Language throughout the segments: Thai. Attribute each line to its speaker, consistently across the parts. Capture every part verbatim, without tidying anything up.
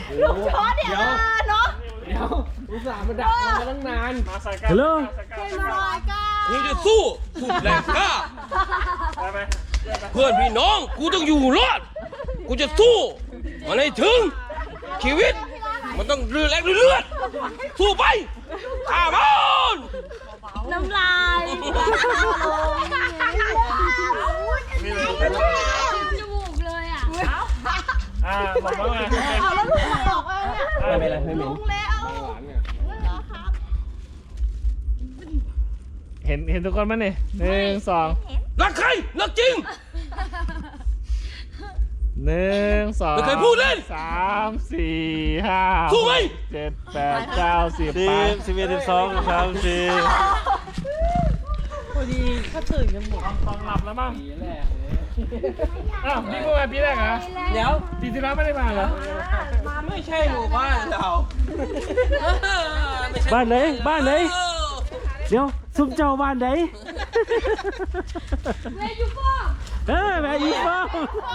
Speaker 1: ลูกช้อนเนี่ยเนาะ
Speaker 2: เดี๋ยวอุตส่าห์มาดักมาตั้งนาน
Speaker 3: ฮัลโหล
Speaker 4: กูจะสู้สุดแรงกล้าเพื่อนพี่น้องกูต้องอยู่รอดกูจะสู้มันให้ถึงชีวิตมันต้องเรือแรงเลือดสู้ไปข้ามัน
Speaker 1: น้ำลายจมูกเลยอ่ะ
Speaker 2: อ่าบอกว่าไง
Speaker 1: เอาแล้วลูกบอกว่าเนี่ย
Speaker 3: ไม่เป็นไรไม่เหม็น
Speaker 2: เห็นเห็นทุกคนไหมเนี่ยหนึ่งสอง
Speaker 4: รักใครรักจริง
Speaker 2: หนึ่งสอง
Speaker 4: ไม่เคยพูดเล่น
Speaker 2: สามสี่ห้า
Speaker 4: สู้ไหม
Speaker 2: เจ็ดแปดเก้าสิบ
Speaker 3: สิบสิบเอ็ดสิบสองสิบสามสี่
Speaker 2: พอดีก็ตื่นกันหมดตอนหลับแล้วมั้งปีแรกอ้าวนี่เมื่อวานปีแรกเหรอเดี๋ยวปีที่แล้วไม่ได้มาเหรอ
Speaker 4: ไม่ใช่หมู่บ้านเรา
Speaker 3: บ้านไหนบ้านไหนเดี๋ยวซุ่มเจ้าบ้านไหน
Speaker 1: เวยูฟ่า
Speaker 3: เออแม่อีฟ้า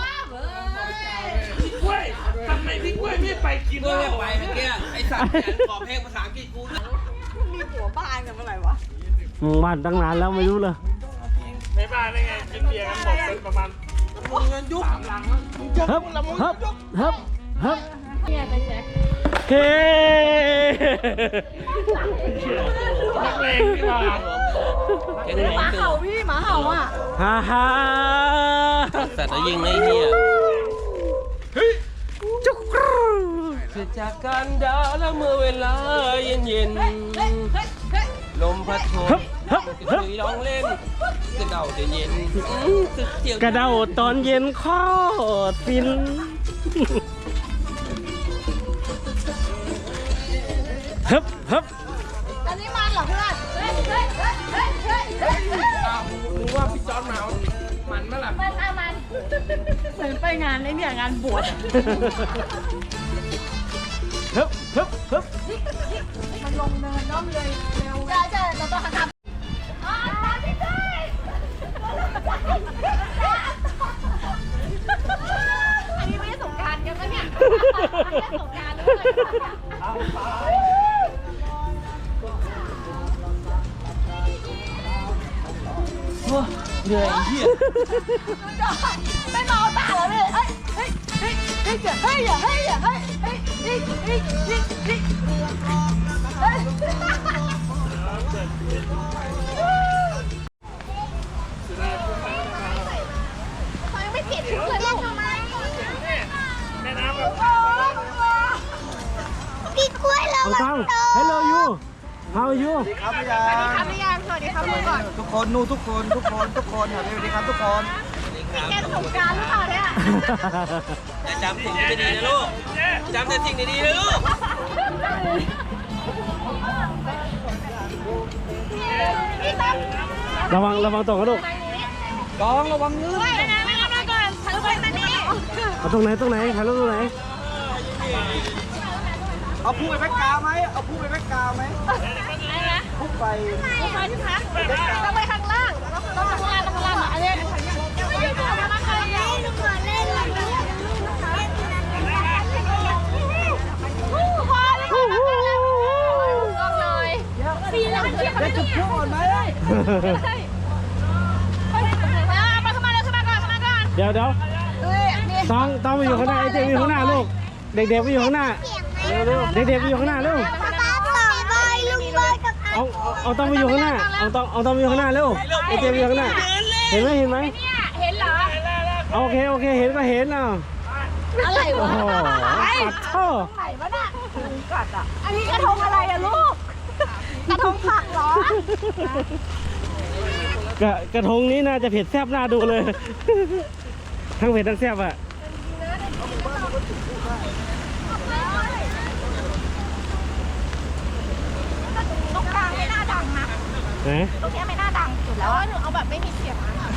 Speaker 4: พี่กล้วยทำไมพี่กล้วยไม่ไปกินเหล้าไปเมื่อกี้ไอสัตว์ขอเพลงภาษาอังกฤษกู
Speaker 1: มีหัวบ้านกันเมื่อไหร่วะ
Speaker 3: บ้านตั้งนานแล้วไม่รู้เลย
Speaker 2: ไม่บ้านได้ไงกินเบียร์กันหมดเป็นประมาณเงินยุบสามลัง
Speaker 3: ฮึบฮึบฮึบฮึบ
Speaker 1: เนี่ยไปแจ็ค
Speaker 3: เฮ้
Speaker 2: นักเลงพี่มา
Speaker 1: หมาเห่าพี่หมาเห่าอ่ะ
Speaker 3: ฮ่าฮ่า
Speaker 4: แต่จะยิงไอ้เหี้ย
Speaker 3: จุกรู
Speaker 4: เกิดจากการด่าแล้วเมื่อเวลาเย็นเย็นลมพัดโชยคุยร้องเล่นกระเดาเย็นเย็น
Speaker 3: กระเดาตอนเย็นข้อฟินฮึบฮึบ
Speaker 1: อันนี้มันเหรอเพื่อนเฮ้ยเฮ้ยเฮ้ยเฮ้ยเฮ้ยเฮ้ย
Speaker 2: รู้ว่าพี่จอนมามันเมื่อไหร่
Speaker 1: มันเอามันเหมือนไปงานไอ้เนี่ยงานบวช
Speaker 3: ฮึบฮึบฮึบ
Speaker 1: มันลงเนินน้อมเลยเร็วเจอเจอเราต้องทำอ๋อตามที่ใช่อันนี้ไม่ได้สงการกันปะเนี่ยไม่ได้สงการเลย
Speaker 4: เหนื่อยเหี้ย
Speaker 1: ไม่เมาตาแล้วเลยเฮ้ยเฮ้ยเฮ้ยเฮ้ยเฮ้ยอย่าเฮ้ยอย่าเฮ้ยเฮ้ยเฮ้ยเฮ้ยเฮ้ยเฮ้ยเฮ้ยเขายังไม่เปลี่ยนชุดเลยลูกทำไม
Speaker 2: แม่น้ำแบบ
Speaker 1: พี่กล้วยเรา
Speaker 3: ฟัง Hello you How are you
Speaker 5: ครับพี่ยา
Speaker 1: สวัสดีครับพี่ยามสวัสดีครับลูกก่อน
Speaker 5: ทุกคนนู่ทุกคนทุกคนทุกคนสวัสดีครับทุกคน
Speaker 1: มีแกนสงการหรือเปล่าเนี่ย
Speaker 4: อย่าจำสิ่งที่ดีนะลูกจำแต่สิ่งดีๆนะลูก
Speaker 3: ระวังระวังตกกระดูก
Speaker 5: กองระวังเงื้อ
Speaker 1: ไม่นะไม่รับก่อนถ่ายรูปไปมานี่
Speaker 3: เอาตรงไหนตรงไหนถ่ายรูปตรงไหน
Speaker 5: เอาผู้ไปแพ็กกาวไหมเอาผู้ไปแพ็กกาวไหม
Speaker 1: อะไรนะ
Speaker 5: ผู้ไป
Speaker 1: ผู้ไปที่พักต้องไปข้างล่างต้องข้างล่างต้องข้างล่างอันนี้เอามาข้างล่างทุกคนเล่นเลยพอเลยพอเลยก็เลยสี่ล้านเชียร์
Speaker 5: จะจุดพลุก่อนไหม
Speaker 1: ไปเข้ามาเลยเข้ามาก่อนเข้ามาก่อน
Speaker 3: เดี๋ยวเดี๋ยวต้องต้องไปอยู่ข้างหน้าไอ้เจมอยู่ข้างหน้าลูกเด็กๆไปอยู่ข้างหน้าเด็กๆไปอยู่ข้างหน้าเร็วเอาเอาต้องไปอยู่ข้างหน้าเอาต้องเอาต้องไปอยู่ข้างหน้าเร็วไอ้เจมไปอยู่ข้างหน้าเห็นไหมเห็นไหม
Speaker 1: เห็นเหรอ
Speaker 3: โอเคโอเคเห็นก็เห็นเอา
Speaker 1: อะไรวะ
Speaker 3: ปัดท่อ
Speaker 1: ไหนวะน่ะกัดอ่ะอันนี้กระทงอะไรอะลูกกระทงผักเหรอก
Speaker 3: ระกระทงนี้น่าจะเผ็ดแซ่บน่าดูเลยทั้งเผ็ดทั้งแซ่บอะ
Speaker 1: ตรงกลางไม่น่าดังนะตรงนี้ไม่น่าดังสุดแล้วหนูเอาแบบไม่มีเสียง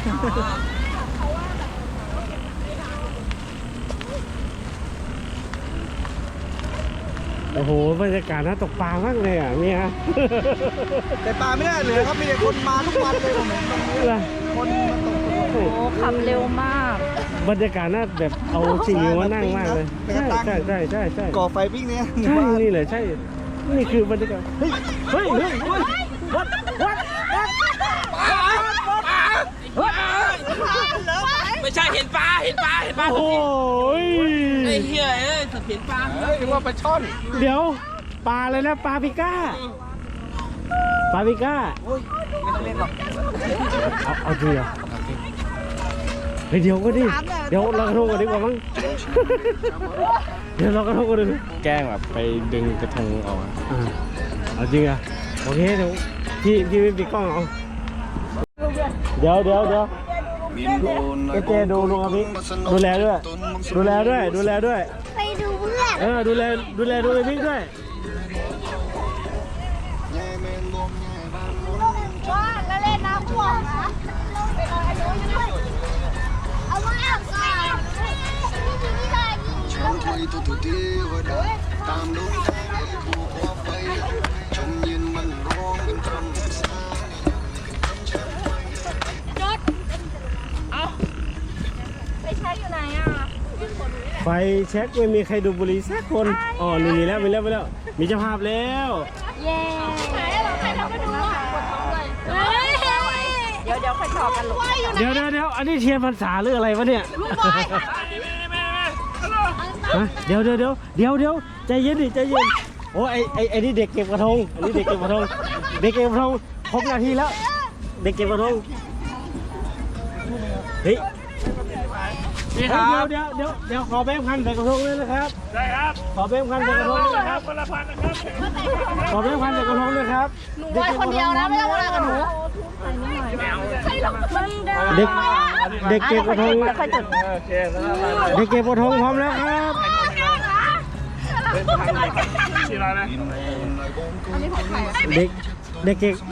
Speaker 3: โอ้โหบรรยากาศน่าตกปลามากเลยอ่ะเนี่ย
Speaker 5: แต่ปลาไม่ได้เลยครับมีแต่คนมาทุกวันเลยผมเห็นตรงนี้คนมาตก
Speaker 1: โอ้ขับเร็วมาก
Speaker 3: บรรยากาศน่าแบบเอาสิ่งนี้มานั่งมากเลยใช่ใช่ใช่ใช่ใช่
Speaker 5: ก่อไฟปิ้งเนี่ย
Speaker 3: ใช่นี่เลยใช่นี่คือบรรยากาศเฮ้ยเฮ้ยเฮ้ยเฮ้ยวัดวัดวัด
Speaker 4: ไม่ใช่เห็นปลาเห็นปลาเห็นปลา
Speaker 3: โอ้ย
Speaker 4: ไอ้เหี้ยเอ้ยเห็นปลา
Speaker 5: เฮ้ยว่าปลาช่อน
Speaker 3: เดี๋ยวปลาเลยนะปลาปิก้าปลาปิก้า
Speaker 5: โอ้ยไม่ต้องเล่นหรอก
Speaker 3: เอาเอาจริงเหรอเฮ้ยเดี๋ยวก็ดิเดี๋ยวเรากระทงกันดีกว่ามั้งเดี๋ยวเรากระทงกันดีแกล้งแบบไปดึงกระทงออกอ่ะเอาจริงอ่ะโอเคเดี๋ยวพี่พี่ไม่ปิดกล้องเอาเดี๋ยวเดี๋ยวเดี๋ยวเอเจดูลุงอภิดูแลด้วยดูแลด้วยดูแลด้วย
Speaker 1: ไปดูเพื่อน
Speaker 3: เออดูแลดูแลดูไอ้บิ๊กด้วย
Speaker 1: ว่าแล้วเล่นน้ำท่วมนะเอามาอ่างก่อนนี่ได้ยิน
Speaker 6: ชมถอยตัวตัวเดียวได้ตามดวงใจคู่ความไปชมยืนมันร้องเป็นคำสา
Speaker 1: ไปใช้อยู่ไหนอ่ะ
Speaker 3: ไฟเช็คไม่มีใครดูบุหรี่สักคนอ๋อนี่มีแล้วมีแล้วมีแล้วมีเจ้าภาพแล้ว
Speaker 1: เย้ไหนเราใครทำมาดูอ่ะปวดท้องเลยเดี๋ยวเดี๋ยวใครถอดกันลูก
Speaker 3: เดี๋ยวเดี๋ยวเดี๋ยวอันนี้เทียนพรรษาหรืออะไรวะเนี่ย
Speaker 1: ลูกบอย
Speaker 3: ฮะเดี๋ยวเดี๋ยวเดี๋ยวเดี๋ยวเดี๋ยวใจเย็นดิใจเย็นโอ้ไอไอไอนี่เด็กเก็บกระทงอันนี้เด็กเก็บกระทงเด็กเก็บกระทงครบนาทีแล้วเด็กเก็บกระทงเฮ้ย
Speaker 2: พี่ครับ
Speaker 3: เดี๋ยวเดี๋ยวเดี๋ยวขอแบงค์พันใส่กระทงเลยนะครับ
Speaker 2: ได้ครับ
Speaker 3: ขอแบงค์พันใส่กระทงเลยนะครับ
Speaker 2: คนละพันนะครับ
Speaker 3: ขอแบงค์พันใส่กระทงเลยครับ
Speaker 1: หนูบอยคนเดียวนะไม่ต้องมากับหนูใช่หรอกมัน
Speaker 3: เด็กเด็กเก็บกระทง
Speaker 1: ค่อยจุด
Speaker 2: โอเคแล้ว
Speaker 3: เด็กเก็บกระทงพร้อมแล้วครับ
Speaker 2: สี่ร้อยนะ
Speaker 3: เด็กเด็กเก็บ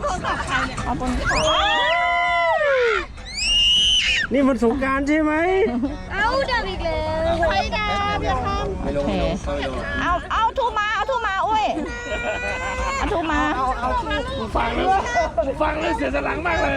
Speaker 3: นี่มันสงกรานต์ใช่ไหม
Speaker 1: เอาดับอีกแล้วไฟดับอย่าทำ
Speaker 5: ไม่ลงไม่ลงไม่ลง
Speaker 1: เอาเอาทูมาเอาทูมาอุ้ยเอาทูมาเอาเอา
Speaker 2: ฟังแล้วฟังแล้วเสียสลังมากเลย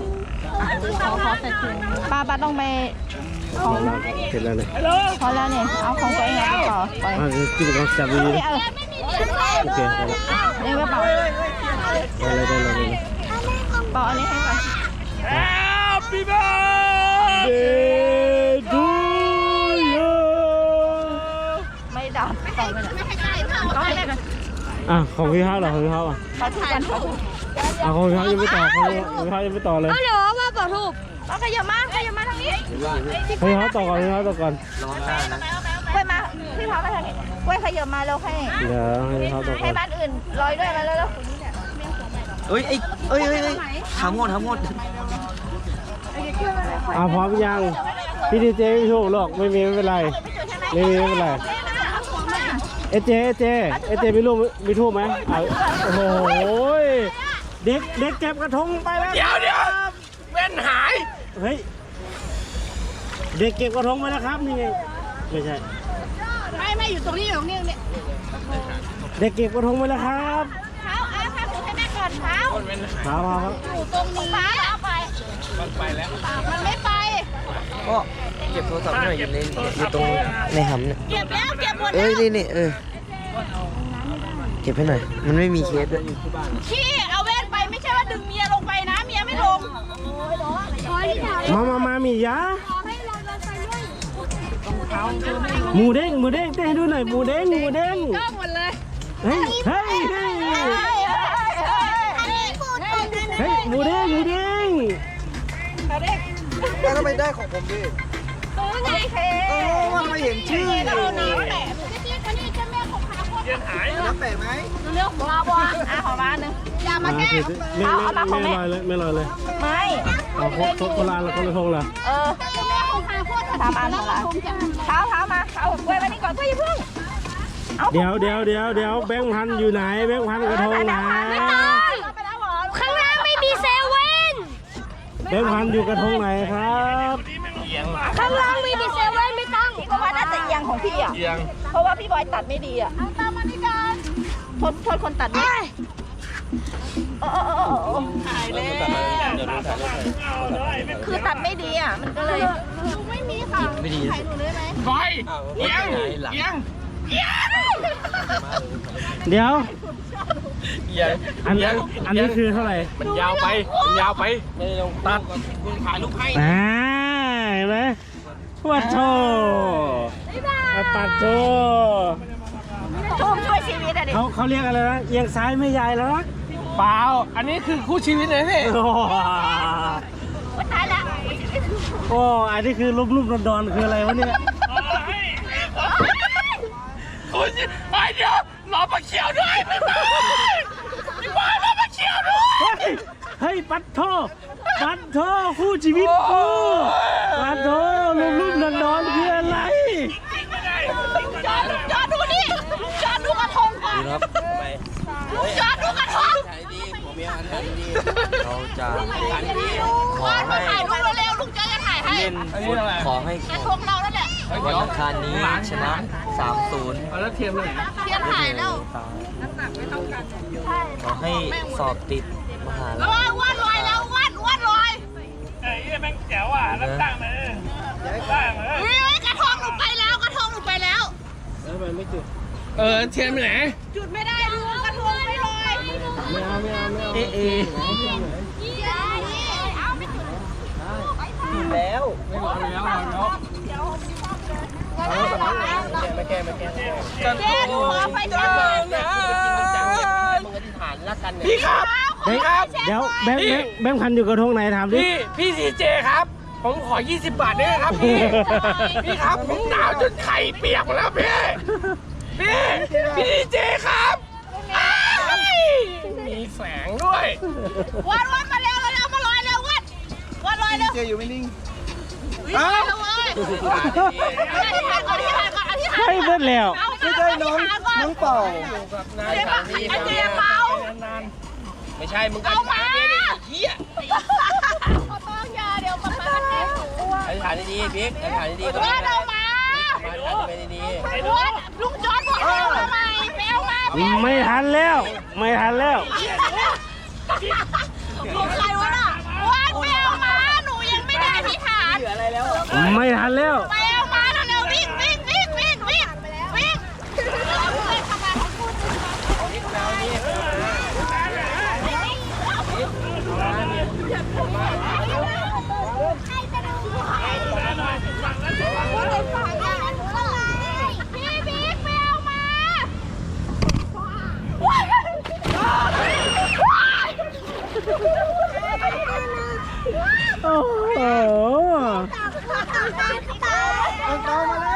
Speaker 1: ป้าป้าต้องไปของ
Speaker 3: เสร็จแล้วเนี่ย
Speaker 2: ฮัลโหล
Speaker 1: พอแล้วเนี่ยเอาของตัวเองไปต่อไป
Speaker 3: อ่ากินของจับดี
Speaker 1: นี่เอา
Speaker 3: โอเคได้แล้ว
Speaker 1: เองกระเป๋า
Speaker 3: ได้เลยได้เลยได้เลย
Speaker 1: เป๋าอันนี้ให้ก่อน
Speaker 2: Happy birthday to you
Speaker 1: ไม่ดับต่อไปเลยก็ให้แม่ก่อน
Speaker 3: อ่ะของพี่เขาเหรอของพี่เขาอ่ะ
Speaker 1: ขอทูกันขอทู
Speaker 3: อ่ะของพี่เขายังไม่ต่อของพี่เขายังไม่ต่อเลย
Speaker 1: เอาเดี๋ยวว่าเป๋าทูบเอาขยับมาขยับมาทางนี้
Speaker 3: ของพี่เขาต่อก่อนพี่เขาต่อก่อน
Speaker 1: กล้วยมาพี่พามาทางนี้กล้วยขยับมาแล้วให้
Speaker 3: เดี๋ยวให้พี่เขาต่อก่
Speaker 1: ให้
Speaker 3: อน
Speaker 1: บ้านอื่นลอยด้วยมาแล้ว
Speaker 5: เอ้ยไอ้เอ้ยเอ้ยเอ้ยถามหมดถามหมด
Speaker 3: อ่ะพร้อมยังพี่ดีเจไม่ถูกหรอกไม่มีไม่เป็นไรไม่มีไม่เป็นไรเอเจเอเจเอเจมีรูปมีทูบไหมอ่ะโอ้โหเด็กเด็กเก็บกระทงไปแล้ว
Speaker 4: เดี๋ยวเดี๋ยวเว้นหาย
Speaker 3: เฮ้ยเด็กเก็บกระทงไปแล้วครับนี่ไงไม่ใช่
Speaker 1: ไม่ไม่อยู่ตรงนี้อยู่ตรงนี้เนี่ย
Speaker 3: เด็กเก็บกระทงไปแล้วครับ
Speaker 1: เท้าอาพาถูให้แม่ก่อนเท้า
Speaker 3: ครับครับ
Speaker 1: อยู่ตรงนี้เอาไปมันไปแล้วมันไม่ไป
Speaker 5: ก็เก็บโทรศัพท์หน่อยอยู่ในอยู่ตรงในหำเนี่ย
Speaker 1: เก็บแล้วเก็บหมด
Speaker 5: เอ้
Speaker 1: แล้
Speaker 5: ยว นี่นี่เออเก็บให้หน่อยมันไม่มีเคสด้วย
Speaker 1: พี่เอาเว้นไปไม่ใช่ว่าดึงเมียลงไปนะเมียไม่ลง
Speaker 3: มามามามียาหมูเด้งหมูเด้งเต้นให้ดูหน่อยหมูเด้งหมูเด้ง
Speaker 1: ก็หมดเลย
Speaker 3: เฮ้ยเฮ้ยเฮ้ย
Speaker 1: อันนี้พูดตรงกันนะ
Speaker 3: เฮ้ยหมูเด้งหมูเด้ง
Speaker 5: แล้วทำไมได้ของผมดิ
Speaker 1: ตัวไงเค
Speaker 5: เออมันไม่เห็นชื่อ
Speaker 1: เราน้ำแปะพี่คนนี้จะแม่ของขาคน
Speaker 5: น้ำแปะไหม
Speaker 1: เรื่องของเราบ้างอ่ะของบ้านนึงอย่ามาแก้
Speaker 3: ไม่
Speaker 1: เอาเอามาของ
Speaker 3: ไม่
Speaker 1: แม่
Speaker 3: ลอยเลยไม่ลอยเลย
Speaker 1: ไม่
Speaker 3: เอาโคโคโคลาแล้วคนละทงละ
Speaker 1: เออทำอันของเราเท้าเท้ามาเอากล้วยมานี่ก่อนกล้วยอย่าเพิ่ง
Speaker 3: เดี๋ยวเดี๋ยวเดี๋ยวเดี๋ยวแบงค์พันอยู่ไหนแบงค์พันกระทงไหน
Speaker 1: ข้างล่างไม่มีเซเว่น
Speaker 3: แบงค์พันอยู่กระทงไหนครับ
Speaker 1: ข้างล่างไม่มีเซเว่นไม่ต้องเพราะว่าน่าจะเอียงของพี่อ่ะเพราะว่าพี่บอยตัดไม่ดีอ่ะตามมานี่กันโทษโทษคนตัดไม่โอ้โอ้โอ้โอ้ถ่ายเลยคือตัดไม่ดีอ่ะมันก็เลยไม่มี
Speaker 5: จิตไม่ดีนะ
Speaker 2: บอยเอียงเอียง
Speaker 3: เดี๋ยว
Speaker 4: เอียง
Speaker 3: อันนี้อันนี้คือเท่าไหร่
Speaker 4: มันยาวไปมันยาวไปไม่ได้ลงตัดมึงถ่ายรูปให้
Speaker 3: อ่าเห็นไหมวัดโชปัดโช
Speaker 1: ทูบช่วยชีวิตอะดิ
Speaker 3: เขาเขาเรียกอะไรนะเอียงซ้ายไม่ยายแล้วนะ
Speaker 2: เปล่าอันนี้คือคู่ชีวิตเลยพี่
Speaker 3: โอ้
Speaker 1: ว่าตายแล้ว
Speaker 3: โอ้อันนี้คือลุ่มๆดอนๆคืออะไรวะเนี่ย
Speaker 2: คุณไอเดี๋ยวรอปลาเขียวด้วยพี่บอยรอปลาเขียวด้วย
Speaker 3: เฮ้ยเฮ้ยปัดโทปัดโทคู่ชีวิตกูปัดโทลุ่มๆดอนๆคืออะไร
Speaker 1: จอดจอดดูนี่จอดดูกระทงก่อน
Speaker 5: ครับทำไม
Speaker 1: จอดดูกระทง
Speaker 5: ถ่ายดีผมมีอาหารดีเราจะ
Speaker 1: ว่ามาถ่ายรูปเร็วๆลุงเจ๊จะถ่ายให้
Speaker 5: เล่นฟุตขอให้
Speaker 1: กระทงเราแล้วแหละ
Speaker 5: วันอังคารนี้ชนะ สามศูนย์
Speaker 2: เอาแล้วเทียมเลย
Speaker 1: เทียนถ่ายแล้ว
Speaker 5: ขอให้สอบติดมหาลั
Speaker 1: แล้ว
Speaker 5: ย
Speaker 1: วาดลอยแล้ววาดวาดลอย
Speaker 2: ไอ้แม่งแจ๋วอ่ะรับตั้งเลยตั้งเลย
Speaker 1: เฮ้ยกระทงหนูไปแล้วกระทงหนูไปแล้ว
Speaker 2: เออเทียมไปไหน
Speaker 1: จุดไม่ได้ลุงกระทงไม่ลอย
Speaker 3: เอ๊ะเอ๊ะ
Speaker 1: เอาไม่จุด
Speaker 5: แล้ว
Speaker 2: ไม่รอแล้วรอแล้ว
Speaker 5: มาแก้มาแก้
Speaker 1: เจ๊หนูขอไฟแช็กหน่อยนะ
Speaker 5: มึงอธิษฐานรักกันเนี่ย
Speaker 2: พี่ครับ
Speaker 3: เฮ้ยเดี๋ยวแบงค์แบงค์แบงค์พันอยู่กระทงไหนถามดิ
Speaker 2: พี่พี่ซีเจครับผมขอยี่สิบบาทได้ไหมครับพี่พี่ครับผมหนาวจนไข่เปียกหมดแล้วพี่พี่พี่ซีเจครับอ้ายมีแสงด้วย
Speaker 1: วัดวัดมาเร็วเร็วมาลอยเร็ววัดวัดลอยเร็ว
Speaker 6: เจอยู่ไม่นิ่ง
Speaker 1: เอ้าเว้ยอธิษฐานก่อนอธิษฐานก่อนอธิษฐาน
Speaker 3: ให้เบิดแล้ว
Speaker 6: ไม่ใช่น้องน้องเป่า
Speaker 1: เจ๊มาไอ้เจ๊เมา
Speaker 5: ไม่ใช่มึง
Speaker 1: เอามา
Speaker 5: เฮีย
Speaker 1: ขอต้องยาเดี๋ยวมามาเจ๊
Speaker 5: อธิษฐานดีๆบิ๊กอธิษฐานดีๆ
Speaker 1: วัดเอามา
Speaker 5: ไปดี
Speaker 1: วัดลุงจอร์ดบอกให้เอามาใหม่ไปเอามาไปเอามา
Speaker 3: ไม่ทันแล้ว ไม่ทันแล้ว
Speaker 1: ของใครวะน่ะวัดไปเอามาหนูยังไม่ได้อธิษฐาน
Speaker 3: ไม่ทันแล้ว
Speaker 1: ไปเอามาเร็วๆวิ่งวิ่งวิ่งวิ่งวิ่งวิ่งทำไมเขาพูดพี่บิ๊กไปเอามา
Speaker 3: โอ้โห
Speaker 6: เอาเตามาแล้ว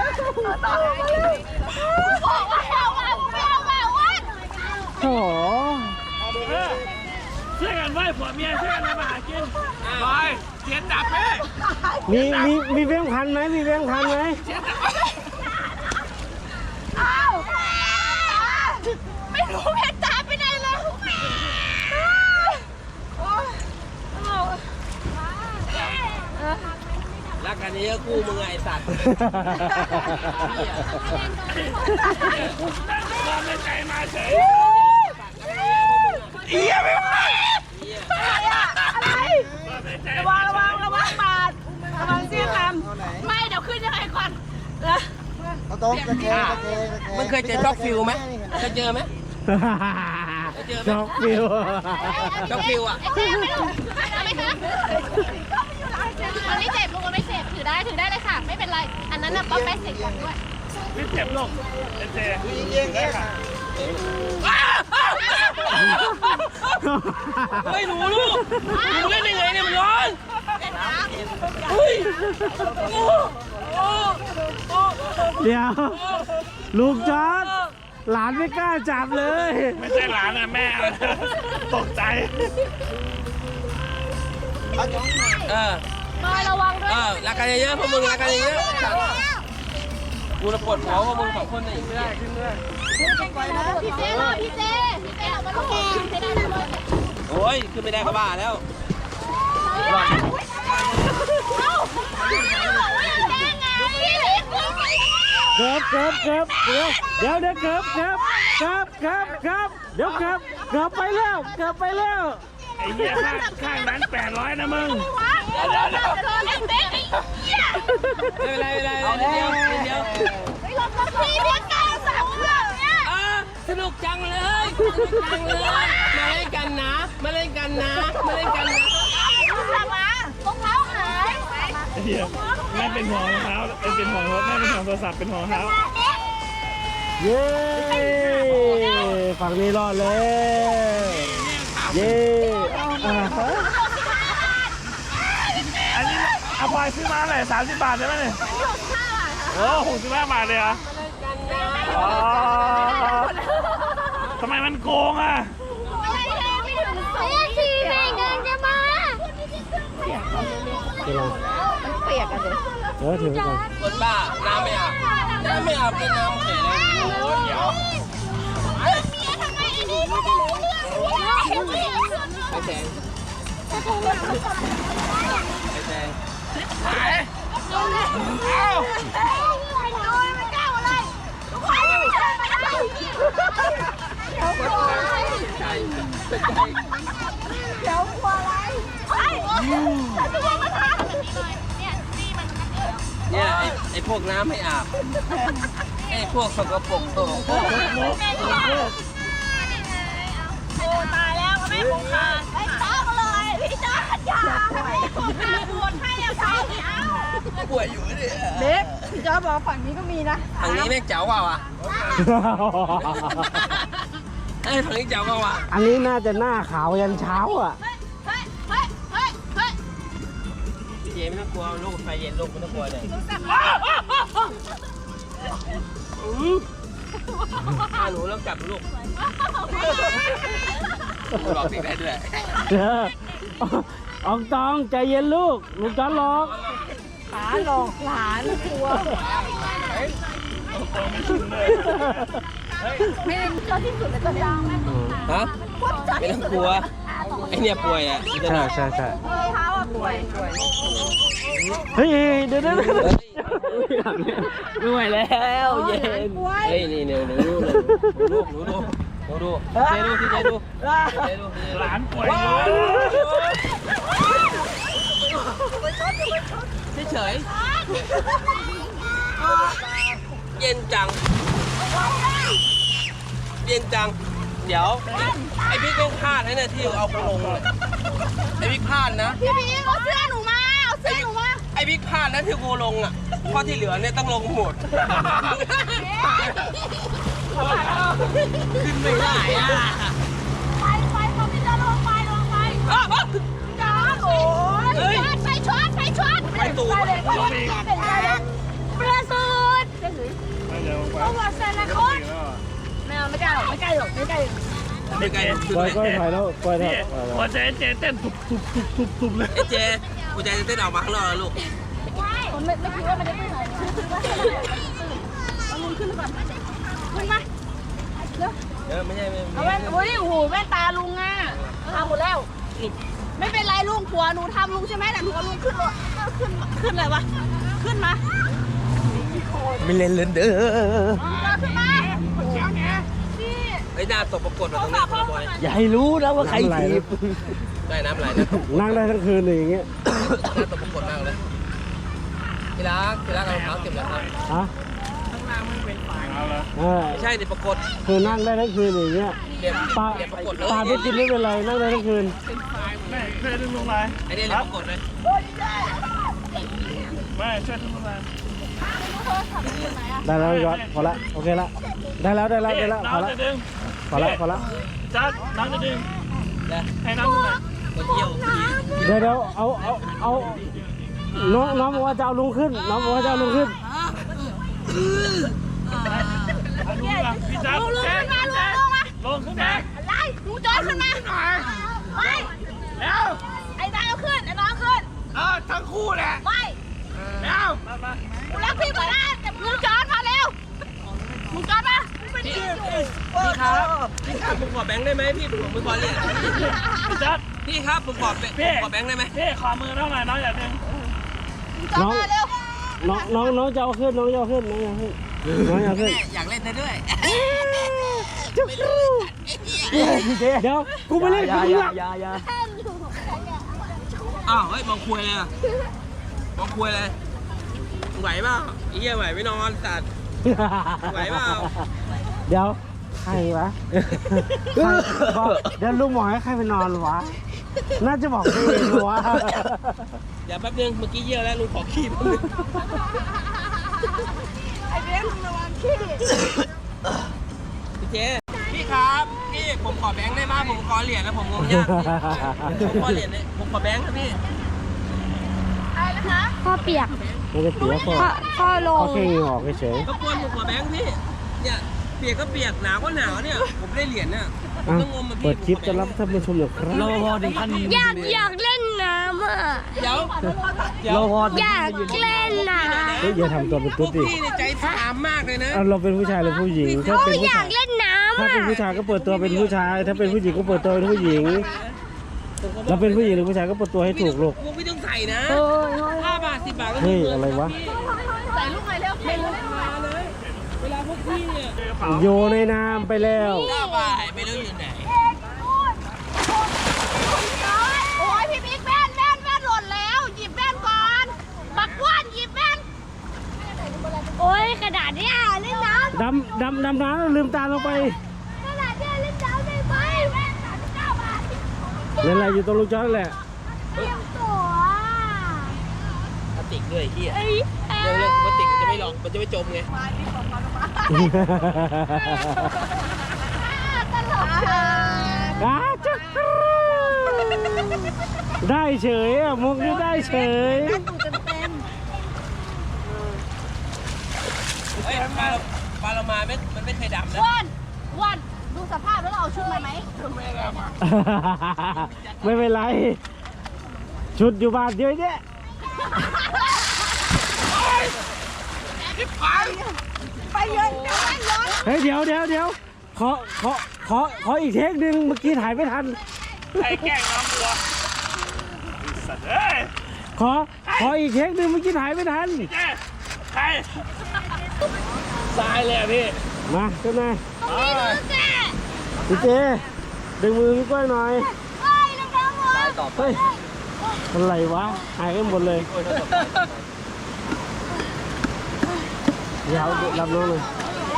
Speaker 1: บอกว่าเอามาไม่เอามาวัด
Speaker 3: โอ้โห
Speaker 2: ช่วยกันไหว้ผัวเมียช่วยกันทำอาหารกินบอยเทียนดับไหม
Speaker 3: มีมีมีแบงค์พันไหมมีแบงค์พันไหม
Speaker 1: เอาไม่รู้เพชรจ๋าไปไหนเลย
Speaker 5: ๆรักกันเยอะคู่มึงไงสัตว์
Speaker 2: ความในใจมาเฉยเอี้ยไม่ไหว
Speaker 1: อะไรระวังระวังระวังบาดระวังเสี้ยงคำไม่เดี๋ยวขึ้นยังไงก่อน
Speaker 6: เอาโต๊ะตะแคงตะแคงตะแคง
Speaker 5: มึงเคยเจอช็อกฟิลไหมเคยเจอไหม
Speaker 3: จอกฟิว
Speaker 5: ช็อกฟิลอ่ะ
Speaker 1: ไอ้เจ๊ไม่รู้ไม่คะมันไม่เจ็บลุงมันไม่เจ็บถือได้ถือได้เลยค่ะ ไม่เป็นไร อันนั้นน่ะป๊อปแป๊กเสร็จก่อนด้วย
Speaker 2: ไม่เจ็บหรอกเจเจ
Speaker 6: เยี่ยงเงี้ยค่ะ
Speaker 5: เฮ้ยหนูลูกหนูเล่นยังไงเนี่ยมันร้อนเฮ้ย
Speaker 3: เดี๋ยวลูกจอดหลานไม่กล้าจับเลย
Speaker 2: ไม่ใช่หลานนะแม่ตกใจ
Speaker 5: เออ
Speaker 1: น้อยระวังด้วย
Speaker 5: เออรักกันเยอะๆพวกมึงรักกันเยอะๆกูจะปวดหัวพวกมึงสองคนเนี่ยไม่ได้ขึ้นด้วย
Speaker 1: พี่เจ๊หน่อยพี่เจ๊พี่เจ๊เอามาลูกพี่เจ๊ได้เลย
Speaker 5: โอ้ยขึ้นไม่ได้เขาบ้าแล้ว
Speaker 1: เอ้าแดงไงพี่เล็กลงไป
Speaker 3: เกือบเกือบเกือบเดี๋ยวเดี๋ยวเดี๋ยวเกือบเกือบเกือบเกือบเกือบเดี๋ยวเกือบเกือบไปแล้วเกือบไปแล้ว
Speaker 2: ไอ้เหี้ยข้างข้างนั้นแปดร้อยนะมึง
Speaker 1: วะ
Speaker 5: ไม่เป็นไรไม่เป็นไรเดียวเดียว
Speaker 1: พี่เพียงการสามเครื่องเนี่ย
Speaker 5: อ่ะสนุกจังเลยสนุกจังเลยมาเล่นกันนะมาเล่นกันนะมาเล่นกันนะ
Speaker 1: รองเท้าหาย
Speaker 3: เดี๋ยวแม่เป็นห่วงรองเท้าเป็นห่วงรถแม่เป็นห่วงโทรศัพท์เป็นห่วงรองเท้าเย้ฝั่งนี้รอดเลยเย้อ่าฮะอันนี้เอาไปซื้อมาเลยสามสิบบาทใช่ไหมเนี่ยโอ้หกสิบห้าบาทเลยเหรออ๋อทำไมมันโกงอ่ะ
Speaker 1: ทีแม่เงินจะมามันเปียกกันเลย
Speaker 3: เออถือไปก่อน
Speaker 5: คนบ้าน้ำไม่อาบน้ำไม่อาบเป็นน้ำเฉยเลยโอ้ยเดี๋ยว
Speaker 1: ทำไมอันนี้ไม่ได้รู้เรื่อง
Speaker 5: ไปแทงไปแทง
Speaker 1: เอาโดนมันเก้าอะไรทุกคนไม่ใช่ไม่ได้เดี๋ยวกลัวอะไรเดี๋ยวกลัวอะไรไอ้จะวางมาทำแบบนี้เลยเนี่ยนี่มัน
Speaker 5: เนี่ยไอ้ไอ้พวกน้ำไม่อาบไอ้พวกสกปรกตัวพวก
Speaker 1: โอ้ตายแล้วไม่คงขาดไม่ต้องเลยพี่จ้าอย่าไม่คงขาดปวดให้เอาเท้าเอา
Speaker 5: ป่วยอยู่เนี่ย
Speaker 1: เล็กพี่จ้าบอกฝั่งนี้ก็มีนะ
Speaker 5: ทางนี้แม่งเจ๋วกว่าว่ะไอ้ยทางนี้เจ๋วกว่าว่ะ
Speaker 3: อันนี้น่าจะหน้าขาวยันเช้าอ่ะ
Speaker 1: เฮ้ยเฮ้ยเฮ้ยเฮ้ย
Speaker 5: พี่เจไม่ต้องกลัวลูกไฟเย็นลูกไม่ต้องกลัวเลยถ้าหนูแล้วกลับลูกหลอกเด็กได้ด้วย
Speaker 3: เอออองตองใจเย็นลูกลูกจอนหลอก
Speaker 1: ขาหลอกหลานกลัวไม่ได้ชอบที่สุดเลยตอนนี้
Speaker 5: ฮะไม่ต้องกลัวไอเนี่ยป่วยอ่ะ
Speaker 3: ใช่ใช่ใช่
Speaker 1: เท้าอ่ะป่วย
Speaker 3: เฮ้ยเดี๋ยวเดี๋ยวเดี๋ยวไม่ไหวแล้วเย็น
Speaker 5: เฮ้ยนี่เนี่ยหนูดูหนูดูหนูดูหนูดูเจดูที่เจดูเจดูหลานป่วยเฉยเย็นจังเย็นจังเดี๋ยวไอพี่เป็นพลาดนะเนี่ยที่เอาลงไอพี่พลาดนะ
Speaker 1: พี่พีเอาเสื้อหนูมาเอาเสื้อหนูมา
Speaker 5: ไอพี่พลาดนะที่กูลงอ่ะเพราะที่เหลือเนี่ยต้องลงหมดขึ้นไม่ได้อ่ะ
Speaker 1: ไปไปพอพี่จ้าลงไปลงไปจ้าโอ้ยไปช็อตไปช็อต
Speaker 5: ไปตูด
Speaker 1: เป็นอะไรเปลือยสุดต้องวัดเซนนะคนไม่เอาไม่กล้าหรอกไม่กล้าหรอกไม่กล้าหรอก
Speaker 5: ไม่ไกล
Speaker 3: ปล่อยก้อยถอยแล้วปล่อยเถอะ
Speaker 2: หัวใจเจเต้นตุบตุบตุบตุบตุบเลย
Speaker 5: ไอเจกูใจจะเต้นออกมาข้างนอกแล้วลูก
Speaker 1: ผมไม่ไม่คิดว่ามันจะไม่ไหนเอาลุงขึ้นก่อนขึ้นมาเร็ว
Speaker 5: เออไม่ใช่ไม่
Speaker 1: เอาแว่นโอ้ยโอ้โหแว่นตาลุงอ่ะทำหมดแล้ว ไม่เป็นไรลุงผัวหนูทำลุงใช่ไหมแต่หนูเอาลุงขึ้นรถขึ้นขึ้นอะไรวะขึ้นมา
Speaker 5: ไม่เล่นเล่นเด้อ
Speaker 1: ขึ้นมานี่
Speaker 5: ไอ้หน้าตกปรากฏมาตรงหน้าคนละบอย
Speaker 3: อย่าให้รู้นะว่าใครถีบ
Speaker 5: ได้น้ำไหลนะ
Speaker 3: นั่งได้ทั้งคืนเลยอย่างเงี้ย
Speaker 5: หน้าตกปรากฏมากเลยพี่รักพี่รักเอารองเท้าเก็บแล้วครับ
Speaker 3: ฮะเออ
Speaker 5: ไม่ใช่เดี๋ยวปรากฏ
Speaker 3: คือนั่งได้ทั้งคืนอย่างเงี้ย
Speaker 5: เดี๋ยว
Speaker 3: ปลา
Speaker 5: เดี๋ยวปรากฏเลย
Speaker 3: ปลาไม่กินไม่เป็นไรนั่งได้ทั้งคืน
Speaker 2: แม่ช่วยดึงลงมา
Speaker 5: ไอ้เนี่ยเดี๋ยวปรากฏเลย
Speaker 2: แม่ช่วยดึงลงมา
Speaker 3: ได้แล้วยอดพอละโอเคละได้แล้วได้แล้วได้แล้วพอ
Speaker 2: น้ำ
Speaker 3: ละ
Speaker 2: จะดึง
Speaker 3: พอละพอละ
Speaker 2: จัดน้ำจะดึง
Speaker 5: นะ
Speaker 2: ให้น้ำขึ้นมา
Speaker 5: ไปเที่ยว
Speaker 3: เดี๋ยวเดี๋ยวเอาเอาเอาน้องน้องบอกว่าจะเอาลุงขึ้นน้องบอกว่าจะเอาลุงขึ้น
Speaker 2: เอาลุงมาพี่จัด
Speaker 1: ลุง
Speaker 2: เจ๊
Speaker 1: ขึ้นมาลุง
Speaker 2: เจ๊
Speaker 1: ลงมา
Speaker 2: ลงขึ้นมา
Speaker 1: อะไรลุงจอยขึ้นมาไม่
Speaker 2: แล้ว
Speaker 1: ไอ้นายเอาขึ้นไอ้น้องขึ้น
Speaker 2: เออทั้งคู่แหละ
Speaker 1: ไม่
Speaker 2: แล้วมามา
Speaker 1: กูรักพี่เหมือนกันแต่ลุงจอยมาเร็วลุงจอยมาเป็นที่อยู่
Speaker 5: พี่ครับพี่ครับผมขอแบงค์ได้ไหมพี่ผมไม่พอเลย
Speaker 2: พี่จัด
Speaker 5: พี่ครับผมขอแบงค์
Speaker 2: พี่
Speaker 5: ขอแบงค์ได้ไหม
Speaker 2: พี่ขอมือน้องหน่อยน้องอย่าดึง
Speaker 1: ลุงจอยมาเร็ว
Speaker 3: น้องน้องน้องจะเอาขึ้นน้องจะเอาขึ้นน้องจะเอาขึ้นน้องจะเอาขึ้น
Speaker 5: อยากเล่นได้ด้วย
Speaker 3: เดี๋ยวกูไม่เล่นกับมึงหรอก
Speaker 4: อ้าวเฮ้ยมองคุยเลยอะมองคุยเลยไหวเปล่าไอ้เหี้ยไหวไม่นอนสัตว์ไหวเปล่า
Speaker 3: เดี๋ยวใครวะใครบอกเดี๋ยวลุงบอกให้ใครไปนอนวะน่าจะบอกตัวเองวะ
Speaker 4: เดี๋ยวแป๊บนึงเมื่อกี้เยี่ยวแล้วลุงขอขี้แป๊บนึง
Speaker 1: ไอ้เบ้นระวังขี้
Speaker 4: พี่เจพี่ครับพี่ผมขอแบงค์ได้ไหมผมขอเหรียญแล้วผมงงยากพี่ผมขอเหรียญเลยผมขอแบงค์ครับพี่
Speaker 1: อะไรนะคะ
Speaker 7: พ่อเปียก
Speaker 3: ไม่ได้เปียกพ่อ
Speaker 7: พ่อพ่อลง
Speaker 3: เขาแค่ยิงออกเฉย
Speaker 4: รบกวนผมขอแบงค์พี่เนี่ยเปียกก็เปียกหนาวก็หนาวเนี่ยผมได้เหรียญน่ะผม
Speaker 3: อ่ะ
Speaker 4: ต้องงมมาพี่
Speaker 3: เปิดคลิปจะรับท่านผู้ชมหน่อยครับ
Speaker 5: รอพอถึงขั้นนี้
Speaker 7: อยากอยากเล่นน้ำอ่ะ
Speaker 4: เดี๋ยว
Speaker 5: รอพอ
Speaker 7: อยากเล่นน้
Speaker 3: เฮ้ยอย่าทำตัวเป็น
Speaker 4: พ
Speaker 3: ตุ๊
Speaker 4: ว
Speaker 3: ด
Speaker 4: ก
Speaker 3: ดิ
Speaker 4: พี่ในใจถามมากเลยนะ
Speaker 3: เอาเราเป็นผู้ชายหรือผู้หญิง
Speaker 7: ำ
Speaker 3: ถ้า
Speaker 7: โอ้
Speaker 3: เป็น
Speaker 7: ย
Speaker 3: ผู้
Speaker 7: อยา
Speaker 3: ชาย
Speaker 7: กเล่นน้ำ
Speaker 3: ถ้า
Speaker 7: อ่ะ
Speaker 3: เป็นผู้ชายก็เปิดตัวเป็นผู้ชาย ถ้าเป็นผู้หญิงก็เปิดตัวเป็นผู้หญิง เราเป็นผู้หญิงหรือผู้ชายก็เปิดตัวให้ถูกลูก
Speaker 4: พวกพี่ต้องใส่นะห้าบาทสิบบาทก็
Speaker 3: เฮ้ย
Speaker 4: มี
Speaker 3: อะไรวะ
Speaker 1: ใส่ลูกไงเร็วไม่รู้
Speaker 4: มาเลยเวลาพวกพี่เนี่ย
Speaker 3: โยนในน้ำไปแล้ว
Speaker 4: ห้าบาทไม่รู้อยู่ไหน
Speaker 1: โอ้ยพี่บิ๊กแว่นแว่นแว่นหล่นแล้วหยิบแว่นก่อนบักว่านหยิบแว่น
Speaker 7: โอ้ยกระดาษเนี่ยเล่นน้
Speaker 3: ดำดำดำน้ำแล้วลืมตาลงไป
Speaker 7: ำกระดาษเนี่ยเล่นน้ำได้ไหมแว่นสามสิบเก้าบาท
Speaker 3: นั่นแหละอยู่ตรงลูกจอนั่นแหละ
Speaker 7: เตรียมตัว
Speaker 4: พลาสติกด้วยไอ้เฮีย
Speaker 7: เอ้ยเอ้
Speaker 4: เรื่องเรื่องพลาสติกมันจะไม่หลอกมันจะไม่จมไง
Speaker 1: ตลกค่ะ
Speaker 3: อาจ๊ะได้เฉยอ่ะมุกนี้ได้เฉย
Speaker 4: เฮ้ยปลาปลาเรามาไม่มันไม่เคยดำนะ
Speaker 1: ว่านว่านดูสภาพแล้วเราเอาชุดมาไหม
Speaker 3: ไม่เป็นไร ชุดอยู่บ้านเยอะแยะ
Speaker 1: ไปเยอะเดี๋ยวแว่นย้อน
Speaker 3: เฮ้ยเดี๋ยวเดี๋ยวเดี๋ยวขอขอขอขออีกเทคหนึ่งเมื่อกี้ถ่ายไม่ทัน
Speaker 2: ใครแกล้งน้องตัวสัตว์เอ้ย
Speaker 3: ขอขออีกเทคหนึ่งเมื่อกี้ถ่ายไม่ทัน
Speaker 2: เจ๊ใครตายเลยอะพี่
Speaker 3: มาขึ้นมา
Speaker 7: นี่ดูแก
Speaker 3: พี่เจดึงมือพี่ก้อยหน่อย
Speaker 7: เฮ้ยน้ำๆหัว
Speaker 3: เฮ้ยอะไรวะหายกันหมดเลยเดี๋ยวรับน้องหน่อย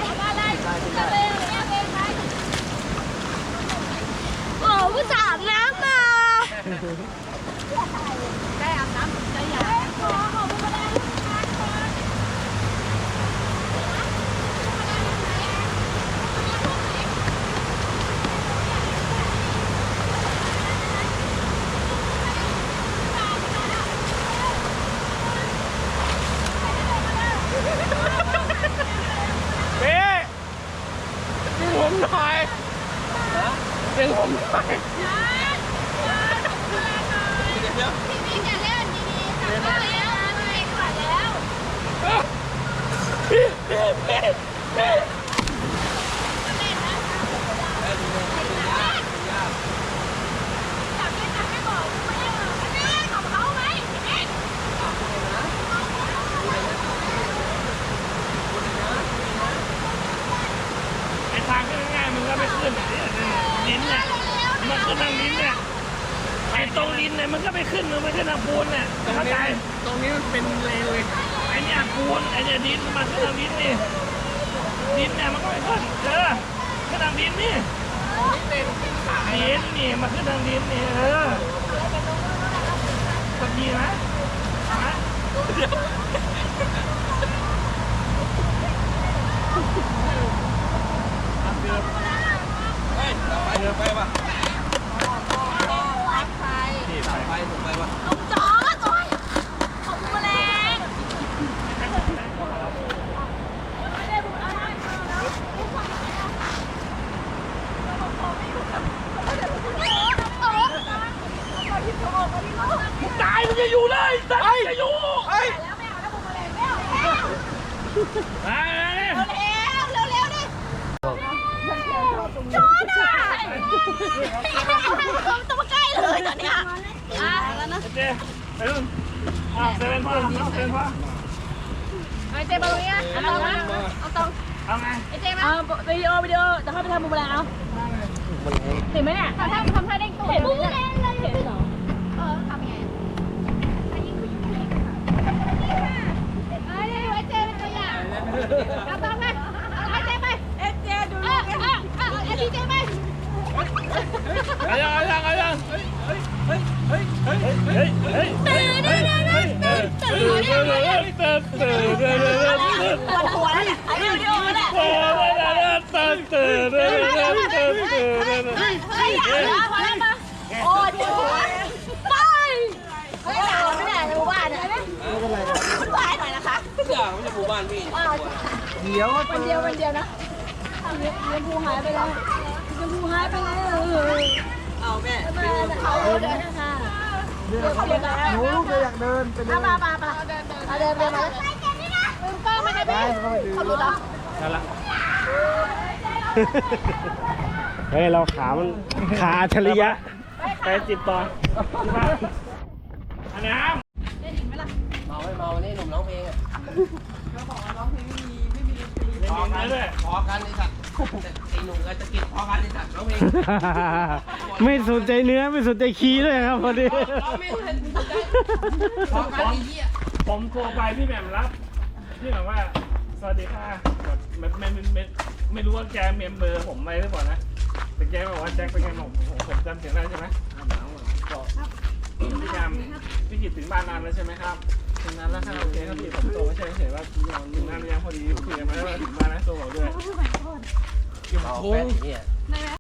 Speaker 7: โอ้ผู้สาวน้ำมา
Speaker 1: ได้อาบน้ำใจใหญ่
Speaker 2: พี่ดึงผมหน่อยดึงผมหน่อย
Speaker 1: พี่บิ๊กอย่าเล่นดีๆจับได้แล้วไม่กว่าแล้ว
Speaker 2: พี่พี่พี่พี่
Speaker 1: จับไม่จับไม่บอกไม่ได้หรอกอันนี้ของเขาไหมพี่บิ๊ก
Speaker 2: ไอ้ทางขึ้นง่ายๆมึงก็ไม่ขึ้นอ่ะเนี่ยลิ้นเนี่ยมันขึ้นทางลิ้นเนี่ยไอ้ตรงลิ้นเนี่ยมันก็ไม่ขึ้นมึงไม่ขึ้นทางปูนเนี่ยเข้าใจตรงนี้มันเป็นเลนเลยไอ้เนี่ยปูนไอ้เนี่ยดินมันขึ้นทางลิ้นนี่ดินเนี่ยมันก็ไม่ขึ้นเออขึ้นทางลิ้นนี่ลิ้นนี่มันขึ้นทางลิ้นนี่เออสักทีนะฮะเดี๋ยว
Speaker 4: เฮ้ยไปเดินไปป่ะ
Speaker 1: ใคร
Speaker 4: ไปผมไปป่ะ
Speaker 1: ลูกจอดโอ้ยของแมลง
Speaker 2: ตายมึงจะอยู่เลยตายจะอยู่เฮ้ย
Speaker 1: แล้วไม่เอาแล้วบุกแมลงไม่เอาแล้ว
Speaker 2: ตายเลย
Speaker 1: เร็วเร็วเร็วดิจอดอ่ะตัวมาใกล้เลยตอนเนี้ยอ่ะแล้วนะ
Speaker 2: เจ๊ไปนู่นอ่ะเซเว่นพ่อเอาเซเว่นพ่อ
Speaker 1: ไอเจมาตรงนี้นะเอาตรงนะเอาตรง
Speaker 2: เอาไง
Speaker 1: ไอเจมาวิดีโอวิดีโอจะเข้าไปทำบุกแมลงเอาเห็นไหมเนี่ยทำท่าทำท่าเด้งตัวเห็นบุกแมลงเลยเห็นเหรอเออทำยังไงเอาต่อไปเอาเจไปเอเจดูลูกเอเอเอพีเจไป
Speaker 2: เอายังเอายังเอายังเฮ้ยเฮ้ยเฮ้ยเฮ้ยเฮ้ยเฮ้ยเฮ้ย
Speaker 1: ตื่นตื่นตื่นตื่นตื่นตื่น
Speaker 2: ตื่นตื่นตื่นตื่นตื่น
Speaker 1: ปวดหัวแล้วเนี่ยไอ้วิดีโอเนี่ย
Speaker 2: ตื่นตื่นตื่นตื่นตื่นตื่นตื่น
Speaker 1: เฮ้ยเฮ้ยพอแล้วพอแล้วมาโอ้ยปวดหัวไปเฮ้ยหนาวไม่ได้ในหมู่บ้านเนี่ยบ้านหน่อยนะคะ
Speaker 4: อย่างไม่ใช่หมู่บ้านพี่
Speaker 5: เดี๋ยว
Speaker 1: วันเดียววันเดียวนะเรียนภูหายไปแล้วเรียนภูหายไปแล้วเอาแม่เขาเดินค่ะเดินเขาเดินหนูลูกอยากเดินไปเดินมามามาเดินเดินเดินมาลืมกล้องไม่ได้พี่เขาหลุดแล้ว
Speaker 3: นั่นละเฮ้ยเราขามันขาอัจฉริยะไปจิบต่ออันน้ำ
Speaker 4: เมาไม่เมานี่หนุ่มร้องเพลงอ่ะ
Speaker 2: พอกันเลย
Speaker 4: พอกันไอ้สัตว์ไอ้หนุ่มกับตะกิดพอกันไอ้สัตว์ร้องเพลง
Speaker 3: ไม่สนใจเนื้อไม่สนใจคีย์ด้วยครับพอดี
Speaker 4: ร้องไม่ทันพอกันไอ้เหี้ย
Speaker 2: ผมโทรไปพี่แหม่มรับพี่แบบว่าสวัสดีค่ะแบบไม่ไม่ไม่ไม่รู้ว่าแกเมมเบอร์ผมไหมหรือเปล่านะแต่แกบอกว่าแจ็คเป็นไงผมผมจำเสียงได้ใช่ไหมก็พี่แอมพี่กิตถึงบ้านนานแล้วใช่ไหมครับถึงนานแล้วค่ะโอเคครับพี่ผมโทรไม่ใช่เฉยว่าถึงนานหรือยังพอดีคุยกันมาแล้วถึงบ้านนะโทรบอกด้วย
Speaker 4: โอ้โหเนี่ย